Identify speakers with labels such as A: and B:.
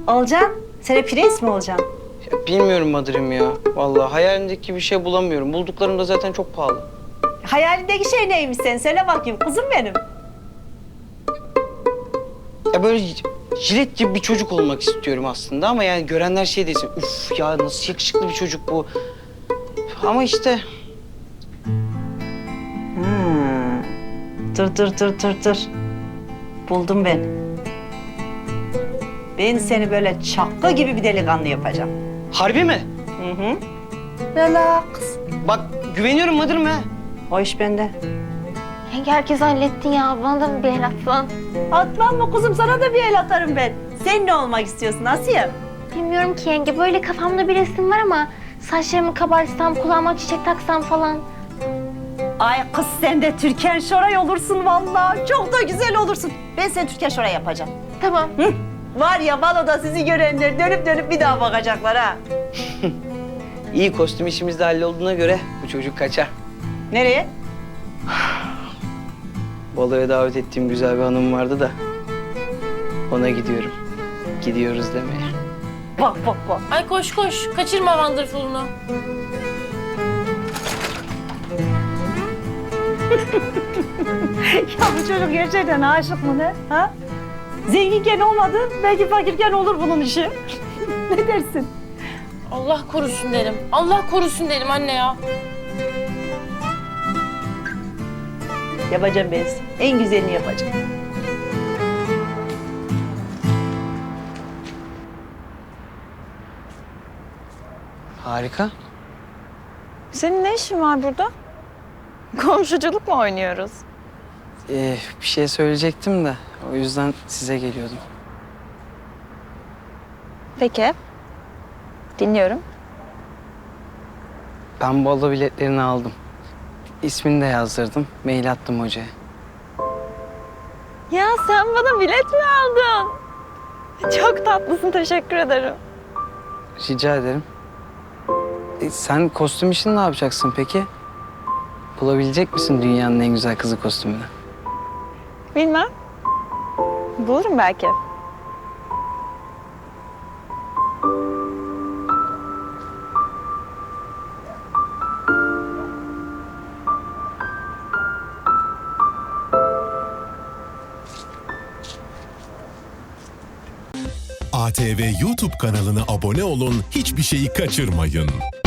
A: Olacaksın. Sen prens mi olacaksın?
B: Ya bilmiyorum Madır'ım ya. Vallahi hayalimdeki bir şey bulamıyorum. Bulduklarım da zaten çok pahalı.
A: Hayalindeki şey neymiş sen? Söyle bakayım kuzum benim.
B: Ya böyle jilet gibi bir çocuk olmak istiyorum aslında ama yani görenler şey desin. Uf ya nasıl yakışıklı bir çocuk bu. Ama işte
A: Dur. Buldum ben. Ben seni böyle çakı gibi bir delikanlı yapacağım.
B: harbi mi?
A: Hı. Relax.
B: Bak güveniyorum Madır'ım ha.
A: O iş bende.
C: Yenge herkes hallettin ya. Bana da mı bir el atsan?
A: Atmam mı kuzum? Sana da bir el atarım ben. Sen ne olmak istiyorsun Asiye?
C: Bilmiyorum ki yenge. Böyle kafamda bir resim var ama saçlarımı kabartsam, kulağıma çiçek taksam falan.
A: Ay kız sen de Türkan Şoray olursun vallahi. Çok da güzel olursun. Ben seni Türkan Şoray yapacağım.
C: Tamam.
A: Hı? Var ya baloda sizi görenler dönüp bir daha bakacaklar ha.
B: İyi kostüm işimiz de hallolduğuna göre bu çocuk kaçar.
A: Nereye?
B: Baloya davet ettiğim güzel bir hanım vardı da ona gidiyorum. Gidiyoruz demeye.
A: Bak.
D: Ay koş kaçırma Wonderful'unu.
A: Ya bu çocuk gerçekten aşık mı ne? Ha? Zenginken olmadı, belki fakirken olur bunun işi. Ne dersin?
D: Allah korusun derim. Allah korusun derim anne ya.
A: Yapacağım ben size. En güzelini yapacağım.
B: Harika.
E: Senin ne işin var burada? Komşuculuk mu oynuyoruz?
B: Bir şey söyleyecektim de o yüzden size geliyordum.
E: Peki. Dinliyorum.
B: Ben balo biletlerini aldım. İsmini de yazdırdım. Mail attım hocaya.
E: Ya sen bana bilet mi aldın? Çok tatlısın, teşekkür ederim.
B: Rica ederim. Sen kostüm işini ne yapacaksın peki? Bulabilecek misin dünyanın en güzel kızı kostümünü?
E: Bilmem. Bulurum belki.
F: ATV YouTube kanalına abone olun, hiçbir şeyi kaçırmayın.